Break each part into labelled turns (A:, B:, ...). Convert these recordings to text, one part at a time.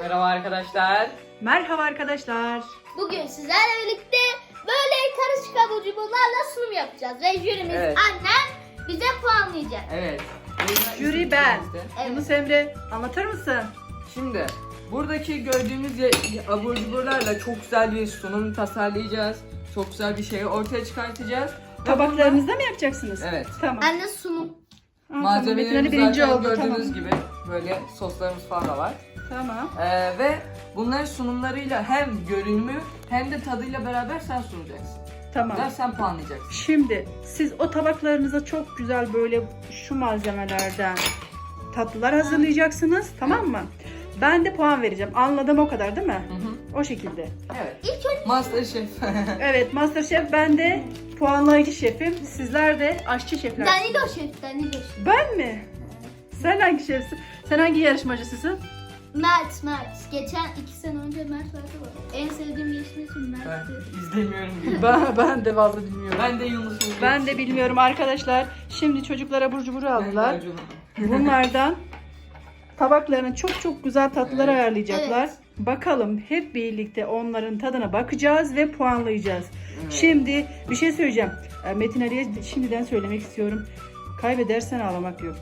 A: Merhaba arkadaşlar.
B: Merhaba arkadaşlar.
C: Bugün sizlerle birlikte böyle karışık abur cuburlarla sunum yapacağız. Ve jürimiz
A: Evet.
C: annem bize puanlayacak.
A: Evet.
B: Jüri ben.
C: Evet.
B: Yunus Emre anlatır mısın?
A: Şimdi buradaki gördüğümüz abur cuburlarla çok güzel bir sunum tasarlayacağız. Çok güzel bir şey ortaya çıkartacağız. Ve
B: Tabaklarınızda mı yapacaksınız?
A: Evet.
B: Tamam.
C: Anne sunum.
A: Malzemelerimiz
B: birinci
A: zaten
B: oldu.
A: gördüğünüz
B: Tamam.
A: gibi böyle soslarımız falan da var.
B: Tamam.
A: Ve bunların sunumlarıyla hem görünümü hem de tadıyla beraber sen sunacaksın.
B: Tamam.
A: Ve sen puanlayacaksın.
B: Şimdi siz o tabaklarınıza çok güzel böyle şu malzemelerden tatlılar hazırlayacaksınız. Tamam mı? Ben de puan vereceğim. Anladım o kadar değil mi?
A: Hı hı.
B: O şekilde.
A: Evet.
C: İlk önce
A: Masterchef.
B: Evet, Masterchef, ben de puanlayıcı şefim. Sizler de aşçı şefler.
C: Danilo şef, Danilo şef.
B: Ben mi? Sen hangi şefsin? Sen hangi yarışmacısısın?
C: Mert. Geçen 2 sene önce Mert vardı. En sevdiğim yeşil isim
A: Ben
C: Mert'ti.
A: izlemiyorum bile.
B: Ben de fazla bilmiyorum.
A: Ben de Yunus'um.
B: Ben de bilmiyorum arkadaşlar. Şimdi çocuklar abur cubur aldılar. Bunlardan tabaklarına çok güzel tatlılar
A: Evet.
B: ayarlayacaklar.
C: Evet.
B: Bakalım hep birlikte onların tadına bakacağız ve puanlayacağız.
A: Evet.
B: Şimdi bir şey söyleyeceğim. Metin Ali'ye şimdiden söylemek istiyorum. Kaybedersen ağlamak yok.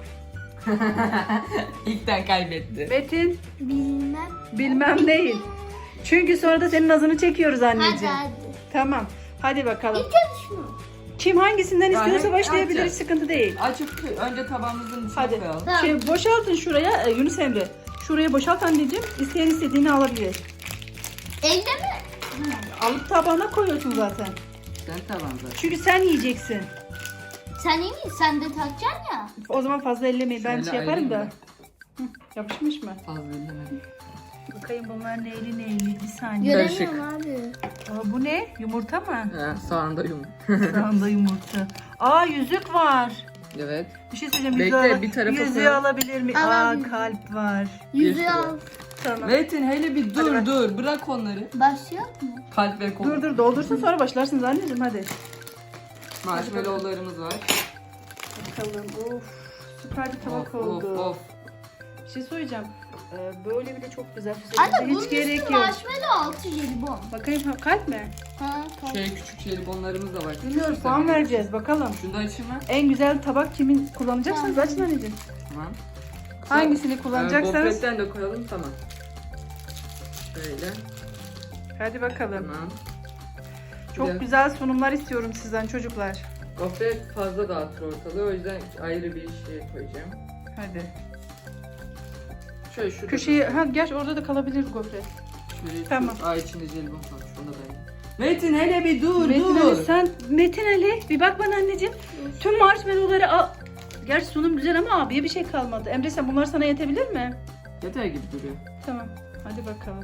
A: İlkten kaybetti.
B: Metin
C: Bilmem.
B: değil. Çünkü sonra da senin nazını çekiyoruz
C: Hadi
B: anneciğim.
C: hadi.
B: Tamam. Hadi bakalım.
C: İlk önce şunu.
B: Kim hangisinden
A: Ya,
B: istiyorsa
A: hep
B: başlayabilir. Hiç
A: açacağız.
B: sıkıntı değil.
A: Açıp önce tabağımızın içine
B: Hadi.
A: koyalım.
C: Tamam.
B: Şey, boşaltın şuraya Yunus Emre. Şuraya boşalt anneciğim. İsteyen istediğini alabilir.
C: Elde mi?
B: Alıp tabağına koyuyorsun zaten.
A: Sen tabağında.
B: Çünkü sen yiyeceksin.
C: Sen iyi misin? Sen de takacaksın ya.
B: O zaman fazla ellemeyin. Ben
A: Şöyle
B: şey yaparım da.
A: ayrayayım
B: Hı, yapışmış mı?
A: Fazla ellemedim.
B: Bakayım bunlar neyli. Bir saniye.
C: Göremiyorum abi.
B: Aa, bu ne? Yumurta mı?
A: Sağında yum.
B: Sağında yumurta. Aa, yüzük var.
A: Evet.
B: Bir şey söyleyeceğim.
A: Bekle,
B: Yüzüğü,
A: bir tarafa
B: yüzüğü
A: koyalım.
B: alabilir mi?
C: Alabilirim.
B: Kalp var.
C: Yüzüğü
A: sürü.
C: al.
B: Tamam.
A: Metin hele bir
B: Hadi bak.
A: dur. Bırak onları.
C: Başlıyor mu?
A: Kalp ve kol.
B: Dur doldursun sonra başlarsınız anneciğim hadi.
A: Marshmallowlarımız var.
B: Bakalım. Of. Süper bir tabak
A: Of
B: oldu.
A: of.
B: Bir şey söyleyeceğim. Böyle bile çok güzel.
C: Anne bunun
B: Hiç gerek
C: üstü
B: yok.
C: marshmallow altı jelibon.
B: Bakayım kalp mi?
C: Ha, tamam.
A: Küçük jelibonlarımız da var.
B: Bilmiyorum, puan vereceğiz bakalım.
A: Şunu da açayım mı?
B: En güzel tabak kimin kullanacaksınız?
C: Tamam.
B: Açın anneciğim.
A: Tamam.
B: Hangisini kullanacaksanız.
A: Gofretten de koyalım, tamam. Şöyle.
B: Hadi bakalım.
A: Tamam.
B: Çok
A: Bir de
B: güzel sunumlar istiyorum sizden çocuklar.
A: Gofret fazla dağıtır ortalığı, o yüzden ayrı bir şey koyacağım.
B: Hadi.
A: Şöyle şurada.
B: Köşeye, gerçi orada da kalabilir gofret.
A: Şöyle
B: Tamam.
A: içinde jelibon var. Şunu da ben. Metin hele bir dur
B: Metin
A: dur.
B: Ali Metin Ali bir bak bana anneciğim. Tüm marshmallowları al. Gerçi sunum güzel ama abiye bir şey kalmadı. Emre sen bunlar sana yetebilir mi?
A: Yeter gibi duruyor.
B: Tamam. Hadi bakalım.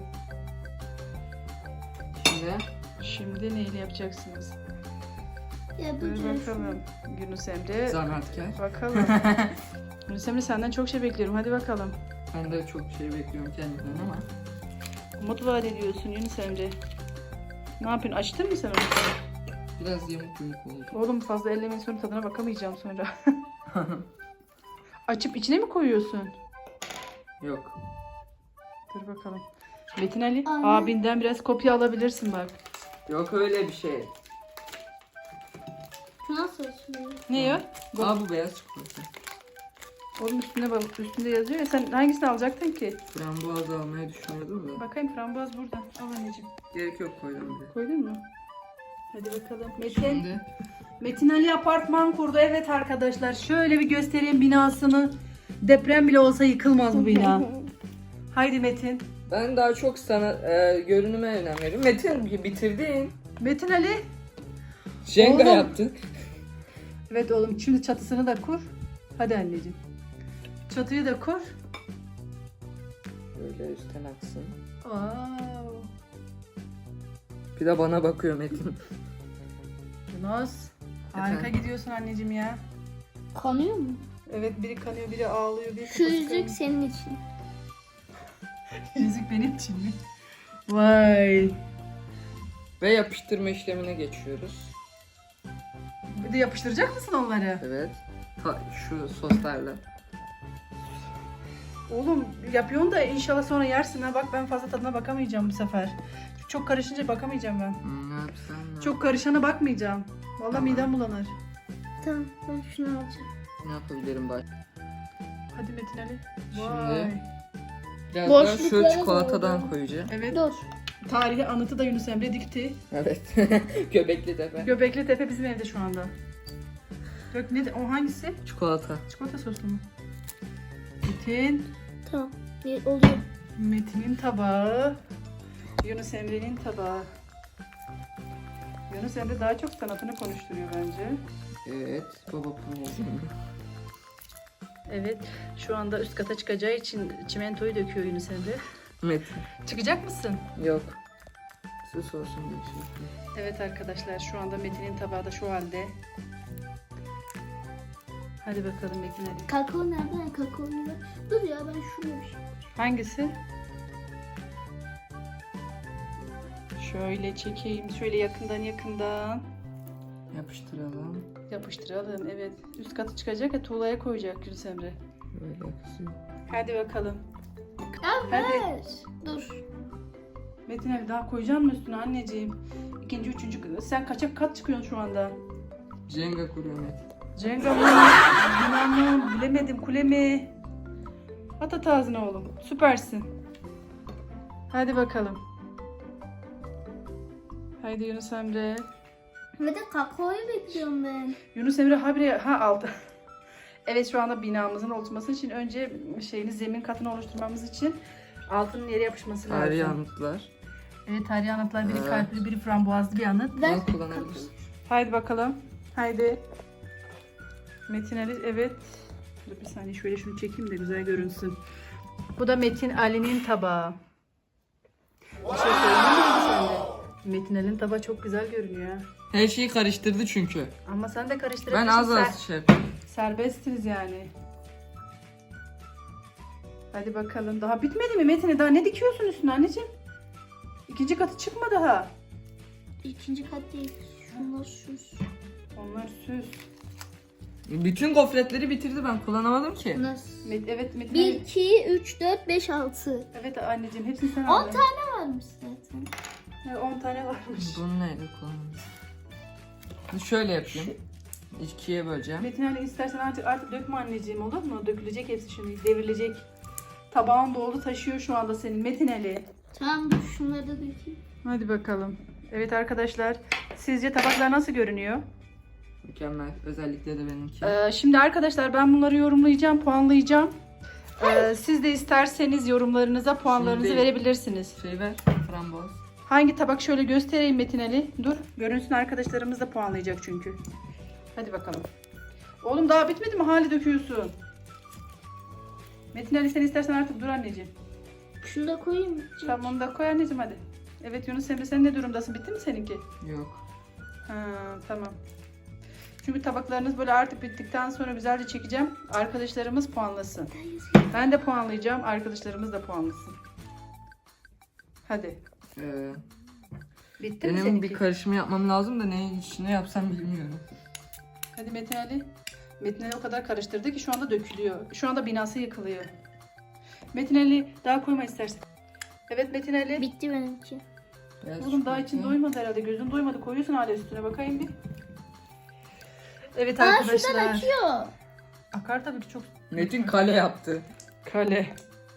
A: Şimdi
B: Şimdi neyle yapacaksınız? Dur
C: Yapacağız.
B: bakalım. Yunus Emre.
A: zahmetkar.
B: Bakalım. Yunus Emre senden çok şey bekliyorum. Hadi bakalım.
A: Ben de çok şey bekliyorum kendimden ama.
B: Umut vaat ediyorsun Yunus Emre. Ne yapıyorsun? Açtın mı sen onu?
A: Biraz yamuk oldu.
B: Oğlum fazla ellemeyin sonra tadına bakamayacağım sonra. Açıp içine mi koyuyorsun?
A: Yok.
B: Dur bakalım. Metin Ali
C: Anne.
B: abinden biraz kopya alabilirsin bak.
A: Yok öyle bir şey.
C: Şu nasıl açılıyor?
B: Ne ya?
A: Aa, bu beyaz çikolata.
B: Oğlum üstünde bak, üstünde yazıyor ya, sen hangisini alacaktın ki?
A: Frambuaz almayı düşünüyordum da.
B: Bakayım frambuaz burada. Al anneciğim.
A: Gerek yok, koydum bile.
B: Koydun mu? Hadi bakalım. Metin.
A: Şimdi
B: Metin Ali apartman kurdu. Evet arkadaşlar şöyle bir göstereyim binasını. Deprem bile olsa yıkılmaz bu bina. Haydi Metin.
A: ben daha çok sana görünüme önem veriyorum. Metin bitirdin.
B: Metin Ali.
A: Jenga
B: Oğlum.
A: yaptın.
B: Evet oğlum şimdi çatısını da kur. Hadi anneciğim. Çatıyı da kur.
A: Böyle üstten aksın.
B: Wow.
A: Bir de bana bakıyor Metin.
B: Yunus. Harika
A: Efendim?
B: gidiyorsun anneciğim ya.
C: Kanıyor mu?
B: Evet biri kanıyor biri ağlıyor. Biri
C: Şu
B: kafası
C: yüzük
B: kanıyor.
C: senin için.
B: Yüzük benim için mi? Vay.
A: Ve yapıştırma işlemine geçiyoruz.
B: Bir de yapıştıracak mısın onları?
A: Evet. Şu soslarla.
B: Oğlum yapıyorsun da inşallah sonra yersin ha. Bak ben fazla tadına bakamayacağım bu sefer. Çok karışınca bakamayacağım ben.
A: Ne yapsam?
B: Çok karışana bakmayacağım. Vallahi
A: Tamam.
B: midem bulanır.
C: Tamam ben şunu alacağım.
A: Ne yapabilirim bak?
B: Hadi Metin Ali.
A: Şimdi-
B: Vay.
A: Biraz daha şu
C: Boşluklara
A: çikolatadan
C: doğru.
A: koyacağım.
B: Evet.
C: Dur.
B: Tarihi anıtı da Yunus Emre dikti.
A: Evet. Göbekli tepe.
B: Göbekli Tepe bizim evde şu anda. Dök ne? O hangisi?
A: Çikolata.
B: Çikolata soslu mu? Metin.
C: Tamam. Oluyor.
B: Metin'in tabağı. Yunus Emre'nin tabağı. Yunus Emre daha çok sanatını konuşturuyor bence.
A: Evet. Baba pulmozunu.
B: Evet. Şu anda üst kata çıkacağı için çimentoyu döküyor Yunus Emre.
A: Metin.
B: Çıkacak mısın?
A: Yok. Sus olsun diye şey yapıyorum.
B: Evet arkadaşlar şu anda Metin'in tabağı da şu halde. Hadi bakalım Metin hadi.
C: Kakao nereden? Kakao nereden? Dur ya ben şunu yapayım.
B: Hangisi? Şöyle çekeyim. Şöyle yakından.
A: Yapıştıralım.
B: Yapıştıralım. Evet. Üst katı çıkacak ya tuğlaya koyacak Yunus Emre.
A: Böyle kısıyor.
B: Hadi bakalım.
C: Ya
B: Hadi.
C: ver. Dur.
B: Metin Ali daha koyacak mı üstüne anneciğim? İkinci, üçüncü. Sen kaça kat çıkıyorsun şu anda?
A: Jenga kuruyor Metin.
B: Cenga mı? Yunan mı? Bilemedim. Kule mi? At ağzına oğlum. Süpersin. Hadi bakalım. Haydi Yunus Emre.
C: Ve de kakaoyu bekliyorum ben.
B: Yunus Emre habire aldı. Evet şu anda binamızın oluşması için önce zemin katını oluşturmamız için altının yere yapışması lazım.
A: Tarihi anıtlar.
B: Evet tarihi anıtlar biri
A: Evet.
B: kalpli biri frambuazlı bir anıt.
C: Ver.
A: Bunu kullanabilirsin.
B: Haydi bakalım. Haydi. Metin Ali evet. Dur bir saniye şöyle şunu çekeyim de güzel görünsün. Bu da Metin Ali'nin tabağı. Bir şey söyleyeyim mi sen de? Metin Ali'nin tabağı çok güzel görünüyor. Ha.
A: Her şeyi karıştırdı çünkü.
B: Ama sen de karıştırabilirsin.
A: Ben az az şey yapayım.
B: Serbestsiniz yani. Hadi bakalım. Daha bitmedi mi Metin'e? Daha ne dikiyorsun üstüne anneciğim? İkinci katı çıkma daha.
C: İkinci kat değil. Şunlar süs.
B: Onlar süs.
A: Bütün gofretleri bitirdi, ben kullanamadım ki.
C: Bunlar
B: Evet Metin
C: 1,
B: Ali.
C: 2, 3, 4, 5, 6.
B: Evet anneciğim hepsini sen
C: 10
B: aldın.
C: tane varmış zaten.
B: Evet, 10 tane varmış.
A: Bunu neyle kullanalım? Şöyle yapayım. İkiye böleceğim.
B: Metin Ali istersen artık dökme anneciğim olur mu? Dökülecek hepsi şimdi devrilecek. Tabağın doldu taşıyor şu anda senin Metin Ali.
C: Tamam dur şunları da dökeyim.
B: Hadi bakalım. Evet arkadaşlar sizce tabaklar nasıl görünüyor?
A: Mükemmel. Özellikle de benimki.
B: Şimdi arkadaşlar ben bunları yorumlayacağım, puanlayacağım. Siz de isterseniz yorumlarınıza puanlarınızı
A: Şimdi-
B: verebilirsiniz.
A: Şey ver. Framboz.
B: Hangi tabak şöyle göstereyim Metin Ali. Dur görünsün arkadaşlarımız da puanlayacak çünkü. Hadi bakalım. Oğlum daha bitmedi mi? Hali döküyorsun. Metin Ali sen istersen artık dur anneciğim.
C: Şunu da koyayım mı?
B: Tamam onu da koy anneciğim hadi. Evet Yunus Emre sen ne durumdasın? Bitti mi seninki?
A: Yok.
B: Ha, tamam. Çünkü tabaklarınız böyle artık bittikten sonra güzelce çekeceğim. Arkadaşlarımız puanlasın. Ben de puanlayacağım. Arkadaşlarımız da puanlasın. Hadi. Bitti mi
A: Benim
B: seninki?
A: bir karışımı yapmam lazım da ne içine yapsam bilmiyorum.
B: Hadi Metin Ali. Metin Ali o kadar karıştırdı ki şu anda dökülüyor. Şu anda binası yıkılıyor. Metin Ali daha koyma istersen. Evet Metin Ali.
C: Bitti benimki.
A: Beyaz
B: Oğlum daha
A: çikolata.
B: için doymadı herhalde. Gözün doymadı. Koyuyorsun hala üstüne. Bakayım bir. Evet
C: Aa şuradan
B: arkadaşlar.
C: akıyor.
B: Akar tabii ki çok.
A: Metin kale yaptı.
B: Kale.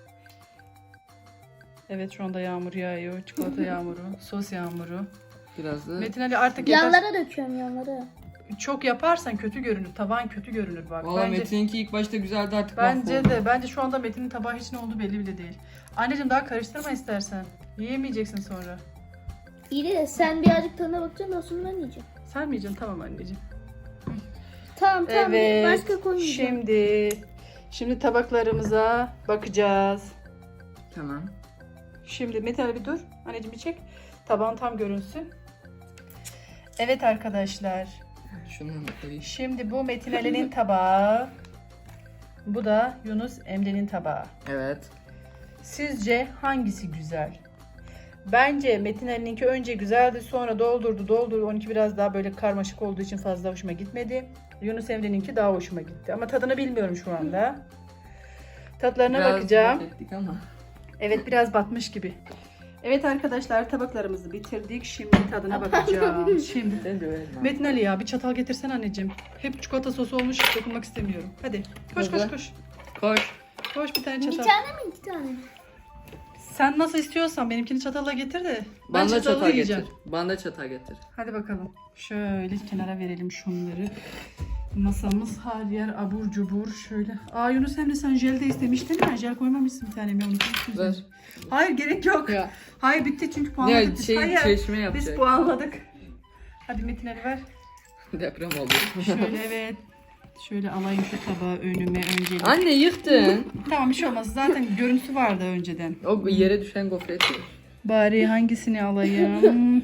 B: Evet şu anda yağmur yağıyor. Çikolata yağmuru, sos yağmuru.
A: Biraz da
B: Metin Ali artık yeter.
C: Yanlara döküyorum yanlara.
B: Çok yaparsan kötü görünür. Taban kötü görünür bak.
A: valla Metin'inki ilk başta güzeldi, artık
B: Bence
A: mahvoldu.
B: de. Bence şu anda Metin'in tabağı hiç ne olduğu belli bile değil. Anneciğim daha karıştırma istersen. Yiyemeyeceksin sonra.
C: İyi de sen birazcık tadına bakacaksın da sonra ben yiyeceğim.
B: Sen mi yiyeceksin? Tamam anneciğim.
C: Tamam
B: Evet.
C: başka koymayacağım.
B: Şimdi tabaklarımıza bakacağız.
A: Tamam.
B: Şimdi Metin Ali bir dur. Anneciğim bir çek. Tabağın tam görünsün. Evet arkadaşlar.
A: Şunu da koyayım.
B: Şimdi bu Metin Ali'nin tabağı. Bu da Yunus Emre'nin tabağı.
A: Evet.
B: Sizce hangisi güzel? Bence Metin Ali'ninki önce güzeldi, sonra doldurdu. Onunki biraz daha böyle karmaşık olduğu için fazla hoşuma gitmedi. Yunus Emre'ninki daha hoşuma gitti. Ama tadını bilmiyorum şu anda. Tatlarına
A: Biraz
B: bakacağım.
A: mahvettik ama.
B: Evet biraz batmış gibi. Evet arkadaşlar tabaklarımızı bitirdik. Şimdi tadına bakacağım. Şimdi.
A: Ben de öyle.
B: Metin Ali ya bir çatal getirsen anneciğim. Hep çikolata sosu olmuş dokunmak istemiyorum. Hadi koş koş
A: Hadi.
B: koş.
A: Koş.
B: Koş bir tane
C: Bir
B: çatal.
C: tane mi 2 tane mi?
B: Sen nasıl istiyorsan benimkini çatalla getir de. Ben
A: Bana da
B: çatalla
A: çatal
B: yiyeceğim.
A: getir. Bana da çatal getir.
B: Hadi bakalım. Şöyle kenara verelim şunları. Masamız her yer abur cubur şöyle. Aa Yunus Emre sen jel de istemiştin ya. Jel koymamışsın bir tane mi? Onu unutmuşsun.
A: Ver.
B: Hayır gerek yok.
A: Ya.
B: Hayır bitti çünkü puanladık.
A: Ya
B: biz.
A: şey
B: Hayır.
A: çeşme
B: Biz
A: yapacak.
B: puanladık. Hadi Metin Ali ver.
A: Deprem oldu.
B: Şöyle evet. Şöyle alayım şu tabağı önüme öncelikle.
A: Anne yıktın.
B: Tamam bir şey olmaz. Zaten görüntüsü vardı önceden.
A: O yere düşen gofret.
B: Bari hangisini alayım?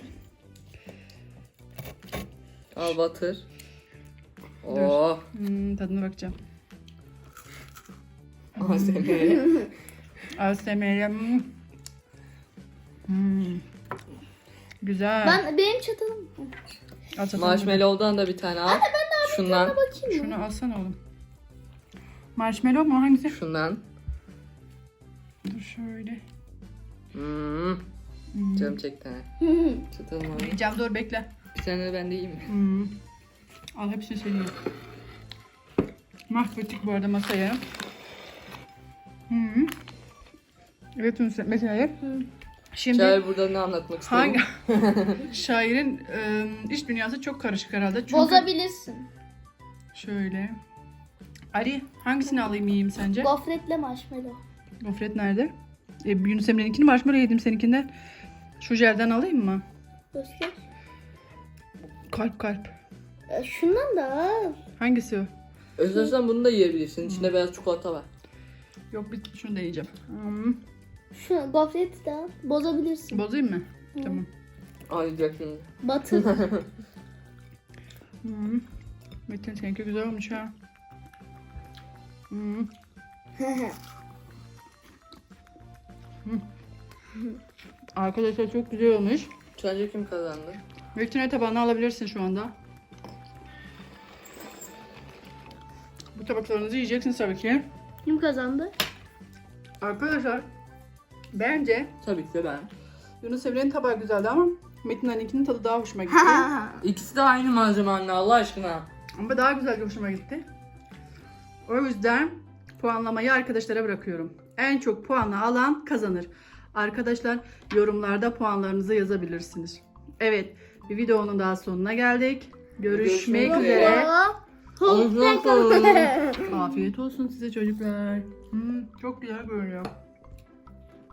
A: Al batır. Oh.
B: Tadına bakacağım.
A: ASMR.
B: ASMR. Güzel.
C: Benim çatalım.
B: Al çatalını.
A: Marshmallow'dan da bir tane al. Şundan.
C: Bakayım mı?
B: Şunu alsana oğlum. Marshmallow mu? Hangisi?
A: Şundan.
B: Dur şöyle.
A: Canım çekti ha. Çıtırım abi.
B: Yiyeceğim dur bekle.
A: Bir tane de ben de yiyeyim.
B: Al hepsini senin. Mahvettik bu arada masayı. Evet mesela. Şimdi
A: Şair burada ne anlatmak istedim?
B: hangi şairin iç dünyası çok karışık herhalde. Çünkü
C: Bozabilirsin.
B: şöyle. Ali hangisini alayım yiyeyim sence?
C: Gofretle marshmallow.
B: Gofret nerede? Yunus Emre'ninkini marshmallow yedim seninkinden. Şu jelden alayım mı?
C: Göster.
B: Kalp kalp.
C: Şundan da al.
B: Hangisi o?
A: Özlersen bunu da yiyebilirsin. İçinde beyaz çikolata var.
B: Yok bir şunu da yiyeceğim.
C: Şu gofreti de al. Bozabilirsin.
B: Bozayım mı? Tamam.
A: Ağlayacak şimdi.
C: Batır.
B: Metin seninki güzel olmuş ha. Arkadaşlar çok güzel olmuş.
A: Sence kim kazandı?
B: Metin'e tabağını alabilirsin şu anda. Bu tabaklarınızı yiyeceksiniz tabii ki.
C: Kim kazandı?
B: Arkadaşlar bence
A: Tabii ki de ben.
B: Yunus Emre'nin tabağı güzeldi ama Metin Ali'ninkinin tadı daha hoşuma gitti.
A: İkisi de aynı malzeme anne Allah aşkına.
B: Ama daha güzel hoşuma gitti. O yüzden puanlamayı arkadaşlara bırakıyorum. En çok puanı alan kazanır. Arkadaşlar yorumlarda puanlarınızı yazabilirsiniz. Evet bir videonun daha sonuna geldik. Görüşmek
A: Görüşmek
B: üzere.
A: Ağzına sağlık.
B: Afiyet olsun size çocuklar. Çok güzel görünüyor.